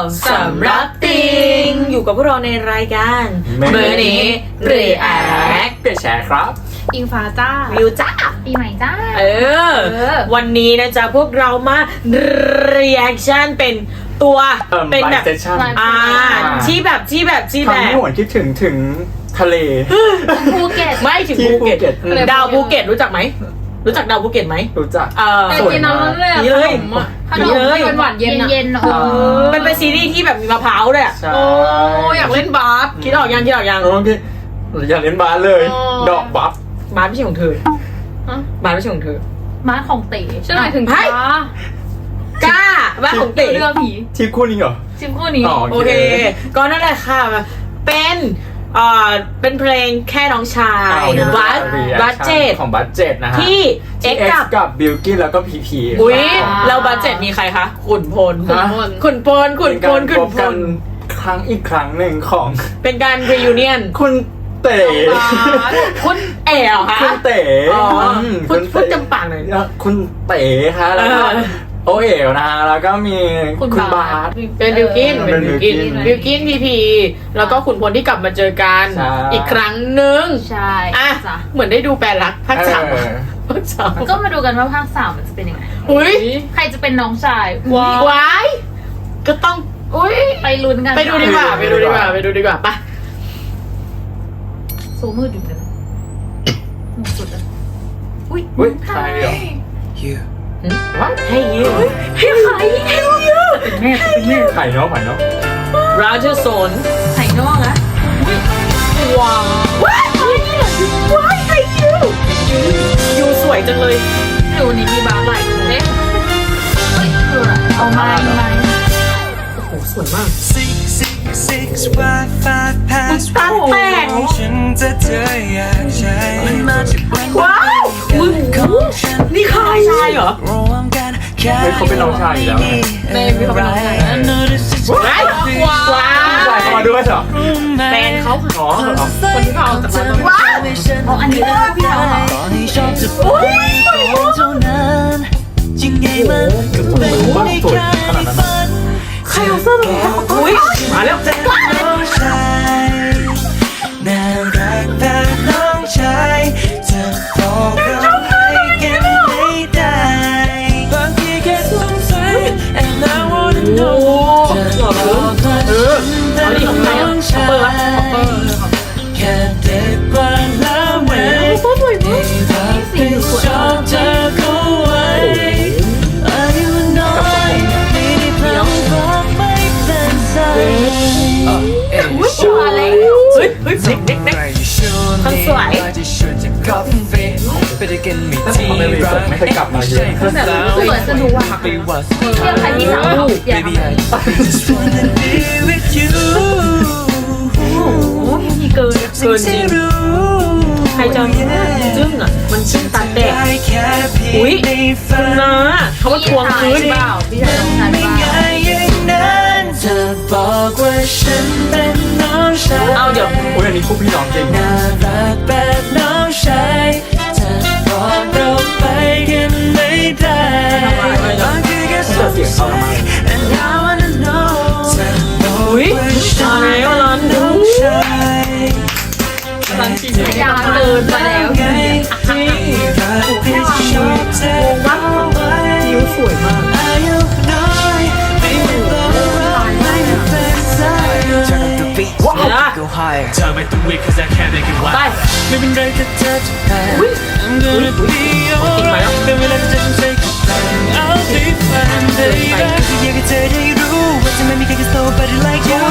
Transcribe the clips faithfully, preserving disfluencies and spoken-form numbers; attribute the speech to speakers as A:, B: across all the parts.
A: สำรับติงอยู่กับพวกเราในรายการเบอร์นี้เรีแอค
B: เปลี่ยนแชร์ครับ
C: อิงฟ้าจ้า
A: วิวจ้า
C: ปีใหม่จ้า
A: เออ วันนี้นะจ๊ะพวกเรามาเรีแอคชั่นเป็นตัวเป็นแบบอ่าที่แบบที่แบบที่แบบ
B: ทำให้หวนคิดถึงถึงทะเล
C: ภูเก็ต
A: ไม่ถึง
B: ที่
A: ภูเก็ต
B: ภูเก็ต
A: ดาวภูเก็ตรู้จักไหมรู้จักดาวภูเก็ตไหม
B: รู้จัก
A: เออ
C: แต่
B: สวย
C: กิน
B: มาก
C: น้ำเลย
A: นี่เลย
C: ขนม
A: นี่เลย
C: หวานๆเย็นเย็นๆเออ
A: มันเป็นซีรีส์ที่แบบมีมะพร้าวด้วยอะ
B: ใช่
A: โอ้อยากเล่นบาสคิดออกยังคิดออกยัง
B: เมื่อกี้อยากเล่นบาสเลย
C: อ๋อ
B: ดอกบัฟ
A: บาสไม่ใช่ของเธอ
C: ฮะ
A: บาสไม่ใช่ของเธอ
C: ม้าของเต๋ฉันหมายถึง
A: เฮ้ย
C: ฟ้าก
A: ล้าบาสของเต๋
C: เรือผี
B: ที่คู่นี้เหรอ
C: ชิมคู่นี้
B: อ๋อ
A: โอเค ก็นั่นแหละค่ะ เป็นเอ่อเป็นเพลงแค่น้องชายบัสบัสเจ็ด
B: ของบัสเจ็ดนะฮะ
A: ที่เอ็ก
B: ที่
A: กับ
B: กับบิลกิ้นแล้วก็พีพี
A: อุ้ยเราบัสเจ็ดมีใครคะขุนพล
B: ฮะ
A: ขุนพลขุนพลขุนพ
B: กั
A: ล
B: นครั้งอีกครั้งหนึ่งของ
A: เป็นการ reunion
B: คุณเต๋
A: คุณเอ๋เหรอคะ
B: คุณเต๋
A: อ๋อ
B: ม
A: พูด
B: คุณ
A: พูด
B: เต๋
A: จำปากหน่อย
B: คุณเต๋ฮะแล้วก็
A: เออ
B: โอเอ๋วนะฮะแล้วก็มีคุณบาส
A: เป็นบิวกิน
B: เออ
A: เป็นบิวกิน
B: เป็นบิ
A: บิว
B: วกิ
A: กิน
B: น
A: พีพีแล้วก็ขุนพลที่กลับมาเจอกัน
B: ใช่
A: อีกครั้งหนึ่ง
C: ใช่
A: อ่ะ
C: จ้ะ
A: เหมือนได้ดูแปลรักภาคสาม
B: เออ
A: ภาคสาม
C: ก็มาดูกันว่าภาคสามมันจะเป็นยังไง
A: อุ้ย
C: ใครจะเป็นน้องชาย
A: ว้ายว้ายก็ต้องอุ้ย
C: ไปลุ้นกัน
A: ไปดูดีกว่าไปดูดีกว่าไปดูดีกว่าไป
C: สูมืดอยู่เลยหมดสุดเลยอุ้ย
B: อุ๊ยใครเหรอ
A: ว่าให้ยู
C: ให้ใครให้ยูเป็นแม่เป็นแม่
B: ไข่เนาะไข่เนาะ
A: ราเจอร์โซน
C: ไข่นอกนะ
A: ว้าวว้ายว้ายให้ยูยูสวยจังเลย
C: ดูนี่มีบาร์ไหลเอ๊ะเฮ้ยคืออะไรเอาไม้ไม้
A: โอ้โหสวยมาก
D: Six six six Wi-Fi
A: ตา
D: password
A: แตก
D: ฉันจะเธออยากใช้มันมาจากวัน
A: ว้าวมึงนี่ใครชายเหรอ
D: รวมกันแค่
B: เฮ้ยเขาเป็นน้องชายอยู่แล้วไง
A: ในพี่เขาเป็นน้องชาย
D: I know this is
A: ว้าวว้าว
B: ใส่เข้ามาด้วยเหรอ
A: แฟนเขา
B: อ๋อเหรอ
A: คนที่เขาเอาจากมาว้าว
C: อ๋ออันนี้เป็นพี่เขาเหรอ
D: ต่อให้ชอบจะปล่อยก่อนเท่านั้นยังไงมันก็เป็นได้แค่ในฝัน
A: ใครเอาเสื้อมาอุ้ยมาแล้ว
D: น้องชายน่ารักแบบน้องชายจะบอกเราให้กันไม่ได้บางทีแค่สงสัย and I wanna
A: โอ้
D: know
A: หล่อเลยเออเอาดิของใครอ่ะเปิดละเปิด
D: แค่เด็กกว่าแล้วไหม
A: สวยมาก
D: ให้ชอบเธอเข้าไว้อายุน้อยไม่ได้พลังบอกไม่เป็นใจ
C: มาแล้ว
A: เฮ้ยเฮ้ยเด็กเด็กเด็ก คนสวย
B: ถ้าทำในรีเสิร์ชไม่เคยกลับมาเยอะ
C: สวยสนุกว่ะเที่ยวใครที่สามอยากทำอะไร
D: Just wanna be with you
C: โอ้โหมีเกิน
A: เกินจริงใครจะจึ้งอ่ะมันจึ้งตาแตกอุ้ยคุณนะเขามาทวงคืน
C: เปล่าพี่ชายน้องชายเปล่า
D: อย่างนั้นเธอบอกว่าฉันเป็นน้องชาย
A: เอาเดี๋ยว
B: อุ้ยอันนี้คู่พี่น้องจริง
D: น่ารักแบบน้องชายเธอบอกเราไปกันไม่ได้บางทีแค่สงสัย and I wanna know เธอบอก
A: อุ้ย
D: ว่าฉั
A: มานแล้วร้อนดู
D: น้องชาย
A: ร้านจริง
C: ยาวเกินไปแล้ว
D: ไงให้รักให้ชอบเธอเอาไว้
A: นิ้วสวยมาก
D: อายุน้อยไม่ต้องรักไม่เป็นใจ
E: Turn up the beat, go higher.
D: Time at the week cause I can't make it
A: ไป
D: wild ไม่เป็นไรถ้าเธอจะแพ้ I'm gonna be alright เป็นเวลาที่จะต้องใช้กับแฟน I'll be fine baby อยากให้เธอได้รู้ว่าจะไม่มีใคร can slow body like you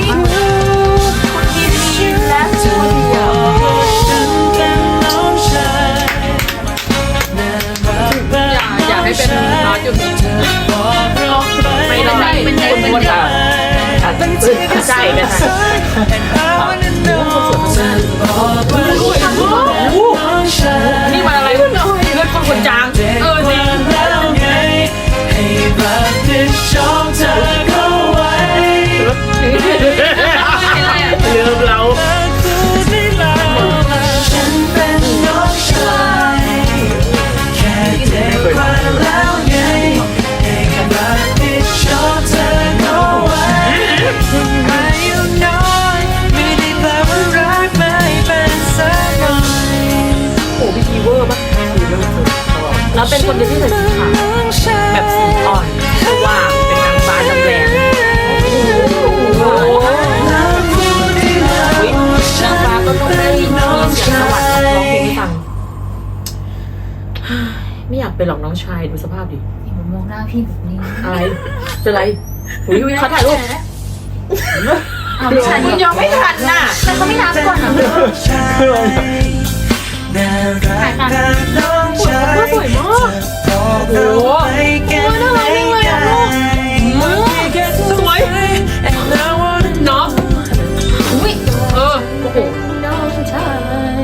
C: และสวย
D: บอกว่าฉันเป็นน้องชายน่ารักแบบ
A: อยากให้เป็นร้านอยู่
D: เธอบอกเราไป
A: ไม่ได้เป็นคนบนอ่ะใช่กันใช่
D: And I wanna know เธอบอกว่าฉันเป็นน้องชาย
A: นี่มันอะไรเลือดคนคนจางเออจริง
D: แล้วไงให้รับผิดชอบเธอเข้าไว้
A: เลือเรา
D: พูดได้แล้วฉันเป็นน้องชายแค่เด็กกว่าแล้วไงให้รับผิดชอบเธอเข้าไว้
A: หลอกน้องชายดูสภาพดิ
C: อย่ามา มองหน้าพี่แบบนี้
A: อะไรเป็นไรอุ้ยเขาถ่ายรูป
C: อ้าวไม่ใช่
A: คุณยังไม่ทันน่ะ
C: แต่เขาไม่นับก่อนนะ
B: คืออะไรอะ
D: น่ารักแบบน้องชาย
A: สวยมาก
D: บอกเราไปกันไม่ได้
A: สวยน้อง
C: อุ้ย
A: เออโอ้โห
C: น้องชาย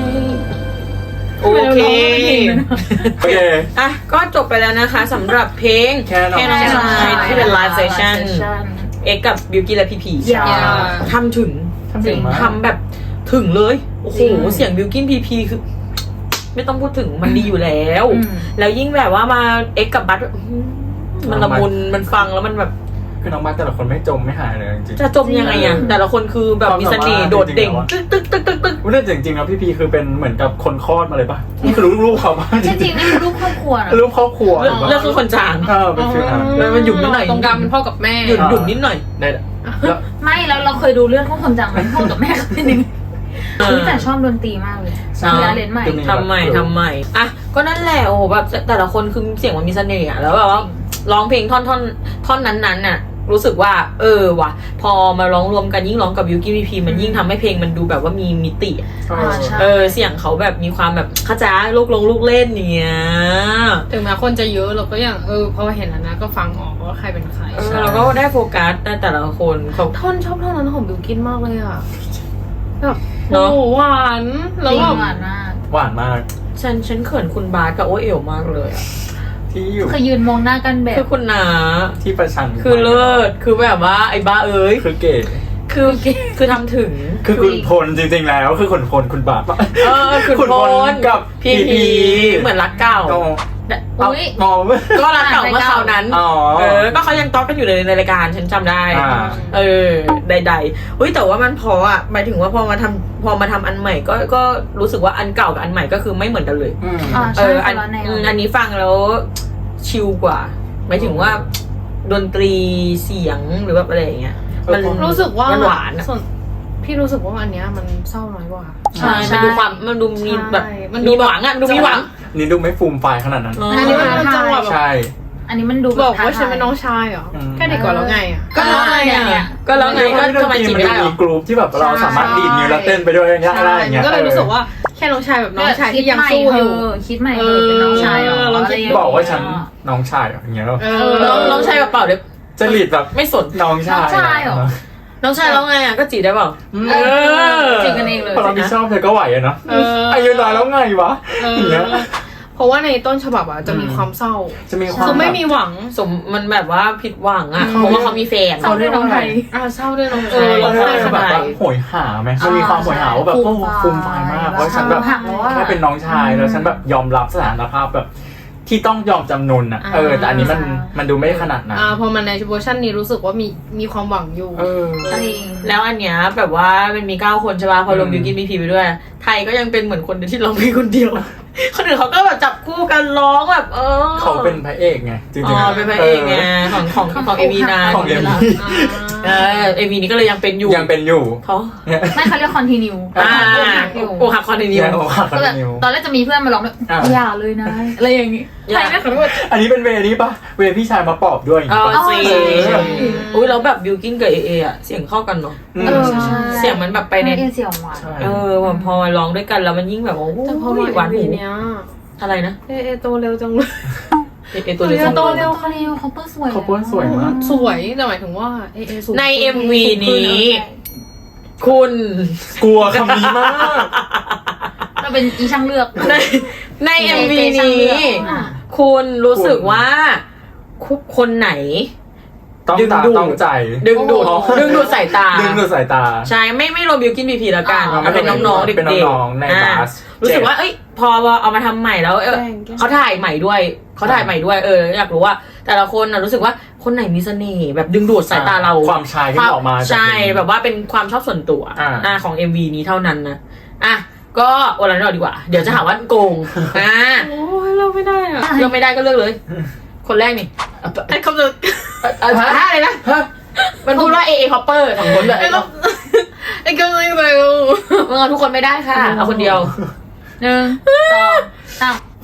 A: โอเค
B: โอเค
A: อ่ะก็จบไปแล้วนะคะสำหรับเพลง
B: แค่น้อง
A: น้องชายที่เป็นไลฟ์เซสชั่นเอ็กกับบิวกี้และพีพี
C: อย่า
A: ทำถึง
B: ทำถึงมาก
A: ทำแบบถึงเลยโอ้โห
C: จริง
A: เสียงบิวกิ้นพีพีคือ ไม่ต้องพูดถึงมันดีอยู่แล้ว
C: อืม
A: แล้วยิ่งแบบว่ามาเอ็กกับบัตอื้อหือมันละมุนมันฟังแล้วมันแบบ
B: คือน้องมาแต่ละคนไม่จมไม่หายเลยจริงๆ
A: จะจมยังไงอ่ะแต่ละคนคือแบบมีเสน่ห์โดดเด่งตึ๊กตึ๊กตึ๊กตึ๊กตึ๊ก
B: ว่าแต่จริงๆแล้วพี่พีคือเป็นเหมือนกับคนคลอดมาเลยป่ะนี่คือรู้รูปเขาป่ะจ
C: จ
B: ริ
C: ริ
B: ง
C: งๆนี่คือรูปครอบครัวนะ
B: ๆรูปครอบครัว
A: เลือกเลือกคือคนจาง
B: เออเป็นฟิลนั้น
A: แล้วมันหยุ่มนิดหน่อย
F: ตรงกลางเป็นพ่อกับแม่
A: หยุ่นหยุ่นนิดหน่อย
B: ได้แล้ว
C: ไม่แล้วเราเคยดูเรื่องของคนจังไหมพ่อกับแม่เขาเป็นยังไงคือแต่ชอบดนตรีมากเลยมีอาเลนใหม่
A: ทำใหม่ทำใหม่อ่ะก็นั่นแหละโอ้โหแบบแต่ละคนคือเสียงมันมีเสน่ห์อะแล้วแบบว่าร้องเพลงท่อนท่อนท่อนนั้นๆน่ะรู้สึกว่า เออว่ะพอมาร้องรวมกันยิ่งร้องกับบิวกี้พีพีมันยิ่งทำให้เพลงมันดูแบบว่ามีมิติอะ
B: เออ
C: อ่าใช่
A: เออเสียงเขาแบบมีความแบบเข้าใจลูกลงลูกเล่นอย่างเนี้ย
F: ถึงแม้คนจะเยอะเราก็อย่างเออพอเห็นแล้วนะก็ฟังออกว่าใครเป็นใคร
A: เออเราก็ได้โฟกัสในแต่ละคนเขา
F: ท่อนชอบท่อนนั้นของบิวกินมากเลยอ่ะแบบ
A: เน
F: โอ้
A: อะ
F: โหหวานแล้ว
C: จริง
F: แบบ
C: หวานมาก
B: หวานมาก
A: ฉันฉันเขินคุณบาสกับโอเอ๋วมากเลยอะ
B: ที่อยู่
C: เคยยืนมองหน้ากันแบบ
A: คือคุณนา
B: ที่ประชัน
A: คือเลิศคือแบบว่าไอ้บ้าเอ้ย
B: คือเก๋
A: คือคือทำถึง
B: คือคุณพลจริงๆแล้วคือคุณพลคุณบาท
A: เออคือ
B: คุณ
A: พ
B: พล
A: ล
B: กับ
A: พี
B: พี
A: พีเหมือนรักเก่า
B: อ๋อ
C: อุ๊ย
B: อ๋อ
A: ก็รักเก่าเมื่อคราวนั้น
B: อ๋อ
A: เออ ก็เขายังต๊อกกันอยู่เลยในรายการฉันจำได้
B: อ่า
A: เออ ใดๆเฮ้ยแต่ว่ามันพออ่ะหมายถึงว่าพอมาทำพอมาทำอันใหม่ก็ก็รู้สึกว่าอันเก่ากับอันใหม่ก็คือไม่เหมือนกันเลย
B: อืม
C: อ่า
A: เอ
C: ใช่
A: อ
C: ค
A: อั
C: นละแนว
A: อืมอันนี้ฟังแล้วชิลกว่า หมายถึงว่าดนตรีเสียงหรือแบบอะไรอย่างเงี้ย มัน
F: รู้สึกว่า
A: มันหวานอะ
F: ส่วนพี่รู้สึกว่าอันเนี้ยมันเศร้าน้อยกว่า
A: ใช่มันดูความมันดูมีแบบ
F: ใช่มั
A: มัน
F: นดู
A: มีหวังอ่ะมันดูมีหวัง
B: นี่ดูไม่ฟูมไฟายขนาดนั้น
A: เออ
C: อันนี้มันท้า
F: จังหวะ
C: ทาย
F: แบบ
B: ใช่
C: อันนี้มันดู
F: บอก
C: ท้
F: ว่าฉันเป็น
C: ทย
F: น้องชายเหรอ
B: อืม
F: แค่เด็กกว่าแล้วไงอ่ะ
A: ก็แล้วไง
C: เนี่
A: อ่ะ
C: ย
A: ก็แล้วไงก็ทำไมจีบไม่ได้หรอ
B: มีกรุ๊ปที่แบบเราสามารถดีดนิ้วแล้วเต้นไปด้วยอย่างเงี้ยได้อย่างเงี้ย
F: ก็เลยรู้สึกว่าแค่น้องชายแบบน้องชายที่ยังสู้อยู่
C: คิดใหม่เออเป็นน้องชายเหรอ
F: เออลองคิด
C: ะไรย่งเงี้ย
B: บอกว่าฉันน้องชายอย่างเงี้ย
F: เอ
A: เอ
F: อ
A: อน้องน้องชายแบบเปล่าเดี๋ยว
B: จะหลีดแบบ
A: ไม่สน
B: น้องชาย
C: น้องชายเหรอ
A: น้องชายแล้วไงอ่ะก็จีบได้เปล่า
C: เออจีบกันเองเลย
B: พอเราไม่ชอบเธอก็ไหวอะเนาะ
F: เออ
B: อายุน้อยแล้วไงวะ
F: เออ
B: อย่างเงี้ย
F: เพราะว่าในต้นฉบับอ่ะจะมีความเศร้า
B: จะมีความ
F: คือไม่มีหวัง
A: สมมันแบบว่าผิดหวังอ่ะเพราะว่าเขามีแฟน
C: เศร้าด้วยน้องไทย
F: อ่าเศร้าด้วยน้อง
A: เออ
B: เรา
A: ใช่
B: ได้แบบว่าโหยหาไหมมันมีความโหยหาว่าแบบโอ้ฟูมไฟายมากเพราะฉันแบบ
C: หักแล้วอะ
B: แค่เป็นน้องชายแล้วฉันแบบยอมรับสถานภาพแบบ ที่ต้องยอมจำนนอ่ะเออแต่อันนี้มันมันดูไม่ขนาดนั้น
F: อ่าพอมันในเวอร์ชันนี้รู้สึกว่ามีมีความหวังอยู่
B: เออ
C: จริง
A: แล้วอันเนี้ยแบบว่ามันมีเก้าคนใช่ป่ะพอรวม
B: อืม
A: บิวกินมีพีไปด้วย ไทยก็ยังเป็นเหมือนคนเดียวที่ร้องเพลงคนเดียว คนอื่นเขาก็แบบจับคู่กันร้องแบบเออ
B: เขาเป็นพระเอกไงจริง
A: อ๋อเป็นพระเอกไงของของของเอวีนา
B: ของเอ็ม
A: เออเอวีนี้ก็เลยยังเป็นอยู่
B: ยังเป็นอยู่
A: เขา
B: เนี่ย
C: ไม่เขาเรียกคอนติเนีย
A: อ่า
C: หักอยู่
A: โอหักคอนติเนีย
B: ยังโอ้ขาด
C: ก็แบบ
B: นิว
C: ตอนแรกจะมีเพื่อนมาร้องด้วย
B: อ่า
C: อย่าเลยนะ อะไรอย่างงี้
A: อย่า
C: ใครไม่ขอโทษ
B: อันนี้เป็นเวนี้ปะเวพี่ชายมาปอบด้วยอย่าง
A: เอ
B: งี้
A: อ
B: ปะ
A: จริง
C: เออ
A: อุ้ยแล้วแบบบิวกินกับเอเออะเสียงเข้ากันเนาะ
B: อืม
C: เออใช่
A: เสียงมันแบบไปใน
C: เอเสียงหวาน
B: ใช่
A: เออพอมาร้องด้วยกันแล้วมันยิ่งแบบโอ้โห
F: แต่พอมา
A: หวาน
F: เอ็
A: หู
F: มวีเนี้ย
A: อะไรนะ
F: เอเอโตเร็วจังเลย
A: เอเอตัวเล็ก
F: เออโตเร็ว
C: คอนติเนียเขาเปิ้ลสวย
B: เขาเปิ้ลสวยมาก
F: สวยแต่หมายถึงว่าเอเอสูง
A: ใน เอ็ม วี นี้ คุณ
B: กลัวคำนี้มาก
C: เราเป็นอีช่างเลือก
A: ในในเอ็มวี
C: เจช่าง
A: นี้
C: เลือกอ่ะ
A: คุณรู้สึกว่าคุกคนไหน
B: ต้อง
A: ดึง
B: ตา
A: ดูด
B: ต้องใจ
A: ดึงดูด
B: โอ้โห
A: ดึงดูดสายตา
B: ดึงดูดสายตา
A: ใช่ไม่ไม่รวมบิวกินพีพีแล้วกัน
C: อ่า
A: มันเป็นน้องๆเด็กๆ
B: เป็นน้องๆใน
A: อ่า
B: บัส
A: รู้สึกว่าเอ้ยพอเอามาทำใหม่แล้วเออเขาถ่ายใหม่ด้วยเขาถ่ายใหม่ด้วยเอออยากรู้ว่า แต่ละคนนะรู้สึกว่าคนไหนมีเสน่ห์แบบดึงดูดสายตาเรา
B: ความชายที่ออกมาจาก
A: ใช่
B: เพลง
A: แบบว่าเป็นความชอบส่วนตัว
B: อ่า
A: อ่าของ เอ็ม วี นี้เท่านั้นนะอ่ะก็วันนั้นเราดีกว่า เดี๋ยวจะหาว่าโกงอ่า
F: โอ้ยเราไม่ได้อ่ะ
A: เลือกไม่ได้ก็เลือกเลย คนแรกนี่
F: ไอ้คำจะ
A: อ่ะท่าอะไรนะ
B: ฮะ
A: มันพูดว่าเอเอคอปเปอร์สองคนเลย
F: ไอ้คำไอ้คำจะเร็ว
A: มึงเอาทุกคนไม่ได้ค่ะเอาคนเดียว
C: หนึ่งสองสาม
A: ข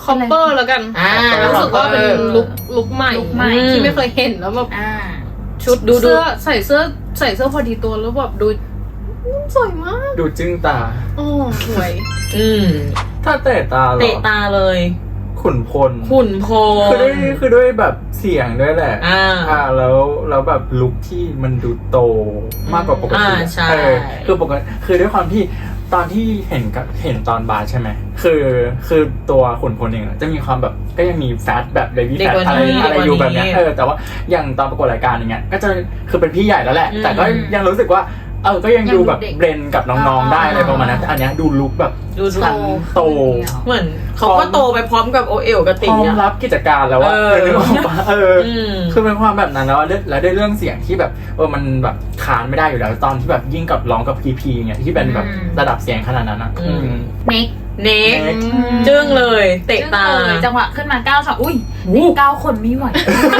F: คอปเปอร์แล้วกัน
A: อ่า
F: รู้สึกว่าเป็น
A: เออ
F: ลุคลุคใหม่
C: ลุคใหม่
F: ที่ไม่เคยเห็นแล้วแบบ
C: อ่า
F: ชุด
A: ดูดู
F: เสื้อใส่เสื้อใส่เสื้อพอดีตัวแล้วแบบดูสวยมาก
B: ดูจึ้งตา
F: โอ้สวย
A: อืม
B: ถ้าเตะตาเหร
A: เตะ
B: อ
A: ตาเลย
B: ขุนพล
A: ขุนพล
B: คือด้วยคือด้วยแบบเสียงด้วยแหละ
A: อ่า
B: อ่าแล้วแล้วแบบลุคที่มันดูโตมากกว่าปกติ
A: อ่า
B: อะ
A: ใช่
B: เออคือปกติคือด้วยความที่ตอนที่เห็นกับเห็นตอนบาร์ใช่ไหมคือคือตัวขุนพลเองอะจะมีความแบบก็ยังมีแฟตแบบเบบี้
A: เด็
B: แฟ
A: ก
B: ต
A: กว่า
B: อะไร
A: นี้
B: อะไรอยู่แบบเนี้ย
A: เด็กกว่านี้
B: เออแต่ว่าอย่างตอนประกวดรายการอย่างเงี้ยก็จะคือเป็นพี่ใหญ่แล้วแหละ
A: อืม
B: แต่ก็ยังรู้สึกว่าเออก็ยังดูแบบเบรนกับน้องๆได้อะไรประมาณนั้นแต่อันเนี้ยดูลุคแบบ
A: ดู
B: ชั้นโต
A: เหมือนเขาก็โตไปพร้อมกับโอเอลกับ
B: พ
A: ตี
B: ร้อม
A: อะ
B: รับกิจการแล้วว่า
A: เออ
B: นึกออกปะเอออ
A: ม
B: คือเป็นความแบบนั้นแล้วอะแล้วด้วยเรื่องเสียงที่แบบเออมันแบบคานไม่ได้อยู่แล้วตอนที่แบบยิ่งกับร้องกับพีพีเนี่ยที่เป็นแบบ
C: อืม
B: ระดับเสียงขนาดนั้นอ่ะ
A: อืม
B: อืม
C: เน็ก
A: เน็ก
B: เน็ก
A: จึ้งเลย เตะตา
C: จึ้งเลยจังหวะขึ้นมาเก้าสองอุ้ย
A: วู้
C: เน็กเก้าคนไม่ไหว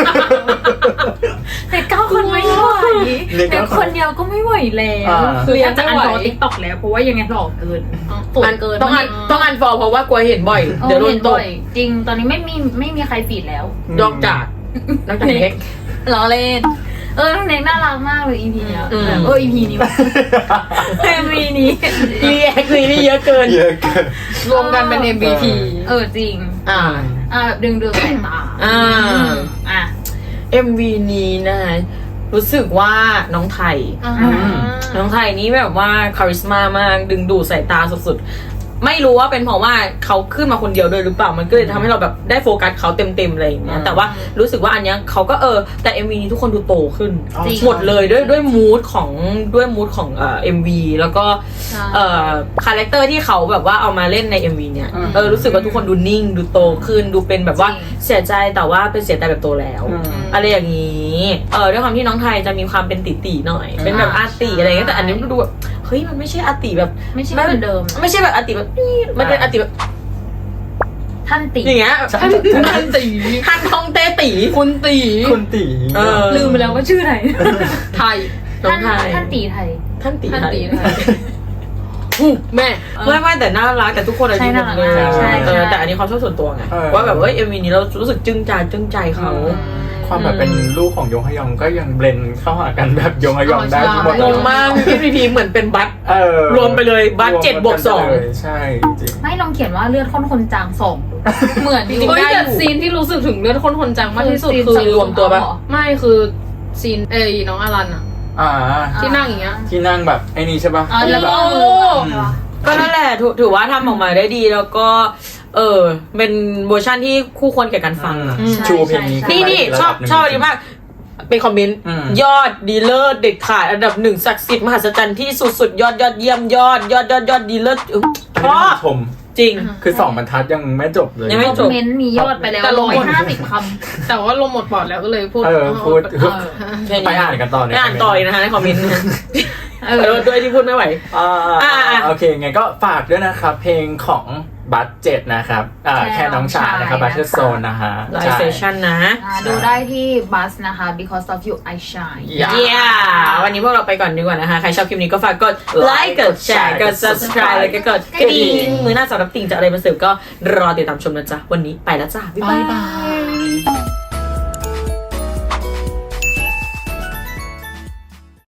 C: เน็กเก้าคนไม่ไหว
B: เน็ก
C: เน็
B: เก้าก คน
C: คนเดียวก็ไม่ไหวแล้ว
B: อ่า
C: คืออยากจะอันฟอลติ๊กต็อกแล้วเพราะว่ายังไงหล่อเกินสวยเกิน
A: ต้องอันต้องอันฟอลเพราะว่ากลัวเห็นบ่อย
C: เออ
A: เดี๋ยวโดน
C: เห็น
A: ต
C: บ่
A: ก
C: อยจริงตอนนี้ไม่มีไม่มีใครฟีดแล้ว
A: นอกจากนอกจากเน็ก
C: ล้อเล่น เออน้องเน็กน่ารักมากเลย อี พี เนี้ย
A: อืม
C: แบบเออ อี พี นี้เอ็มวีนี้
A: รีแอคนี่เยอะเกิน
B: เยอะเกิน
F: รวมกันเป็น เอ็ม วี พี
C: เออจริง
A: อ่า
C: อ่าแบบดึงดูดสายตา
A: อ่า
C: อ่ะ
A: เอ็ม วี นี้นะรู้สึกว่าน้องไทย
F: อ่า
A: น้องไทยนี่แบบว่าคาริสมามากดึงดูดสายตาสุดๆ ไม่รู้ว่าเป็นเพราะว่าเขาขึ้นมาคนเดียวด้วยหรือเปล่ามันก็เลยทำให้เราแบบได้โฟกัสเขาเต็มๆอะไรอย่างเงี้ย
B: อืม
A: แต่ว่ารู้สึกว่าอันเนี้ยเขาก็เออแต่ เอ็ม วี นี้ทุกคนดูโตขึ้น
B: อ๋อ
C: จริง
A: หมดเลยด้วยด้วยมูดของด้วยมูดของเอ่อ เอ็ม วี แล้วก็เอ่อคาแรคเตอร์ที่เขาแบบว่าเอามาเล่นใน เอ็ม วี เนี่ย
B: อืม
A: เออรู้สึกว่าทุกคนดูนิ่งดูโตขึ้นดูเป็นแบบว่า
C: จริง
A: เสียใจแต่ว่าเป็นเสียใจแบบโตแล้ว
B: อืม
A: อะไรอย่างนี้เออด้วยความที่น้องไทยจะมีความเป็นติตีหน่อย เป็นแบบอาร์ติอะไรเงี้ยแต่อันนี้มันดูแบบเฮ้ยมันไม่ใช่อาร์ติแบบ
C: ไม่ใช่เหมือนเดิม
A: ไม่ใช่แบบอาร์ติแบบนี่มันเป็นอาร์ติแบบ
C: ท่านติ
A: อย่างเงี้ย
B: ใช่
A: ท่านท่านตีท่านทองเต้ตี
F: คุณตี
B: คุณตี
A: เออ
C: ลืมไปแล้วว่าชื่อไหน
F: ไทย
A: น้อง
C: ท่าน
A: ไทย
C: ท่านตีไทย
A: ท่านตี
F: ท่าน
A: ไทย
F: ตีไทยอู้แม่
A: ไม่ไม่แต่น่ารักแต่ทุกคนอายุหมดเลย
C: ใช่น่ารัก
B: ใช่
A: เออแต่อันนี้ความชอบส่วนตัวไง
B: เออ
A: ว่าแบบว่าเอ็มวีนี้เรารู้สึกจึ้งใจจึ้งใจเขา
B: ความแบบเป็นลูกของยงฮยองก็ยังเบลนเข้าหากันแบบยงฮยองได้หมด
A: งงมากพี่พีพีเหมือนเป็นบัต
B: เออ
A: รวมไปเลยบัตเจ็ดบวกสอง
B: รวมกันไปเลยใช่จริง
C: ไม่ลองเขียนว่าเลือดข้นคนจางสองเหมือนอยู่
F: เฮ้ย
C: ได้
F: แต่
C: อยู่
F: ซีนที่รู้สึกถึงเลือดข้นคนจังมากที่สุด
C: ซีน
F: คือ
C: ใส่
A: รวมตัวปะ
C: เหรอ
F: ไม่คือซีนเอ้ยน้องอารันอะ
B: อ่า
F: ที่นั่งอย่างเงี้ย
B: ที่นั่งแบบไอ้นี่ใช่ปะ
C: อ๋อแล้วก็เอามือใช่ปะ
A: ก็นั่นแหละถือถือว่าทำออกมาได้ดีแล้วก็ เออเป็นเวอร์ชันที่คู่ควรแก่การฟัง
B: อืมชูเพลงนี้
A: นี่นี่ชอบชอบอันนี้มากเป็นคอมเมนต์
B: อืม
A: ยอดดีเลิศเด็ดขาดอันดับหนึ่งศักดิ์สิทธิ์มหัศจรรย์ที่สุดสุดยอดยอดเยี่ยมยอดยอดยอดยอดดีเลิศอื้อชอบ
B: ชม
A: จริง
B: คือสองบรรทัดยังไม่จบเลย
A: ยังไม่
C: คอมเมนต์มียอดไปแล้ว
F: แต่ลง
C: ร้อยห้าสิบค
F: แต่ว่าลงหมดปอดแล้วก็เลยพูด
B: เออพูด
F: เออ
B: ไปอ่านกันต่อเลย
A: ไปอ่านต่อเลยนะคะในคอมเมนต์นะเออด้วยที่พูดไม่ไหว
B: อ่า
A: อ่าอ่า
B: โอเคไงก็ฝากด้วยนะครับ เพลงของบัตเจ็ดนะครับอ่าแค่น้องชายนะครับบัตเทอร์โซนนะฮะ
A: ไลฟ์เซสชั่นนะ
C: ำอ่าดูได้ที่บัสนะคะ because of you I shine
B: อย่า
A: เย้วันนี้พวกเราไปก่อนดีกว่านะคะ ใครชอบคลิปนี้ก็ฝากกดไลค์กดแชร์กด subscribe แล้วก็กดกระดิ่งมือหน้าสำหรับติ่งจะอะไรมาเสิร์ฟก็รอติดตามชมนะจ๊ะ วันนี้ไปแล้วจ้า บ๊ายบาย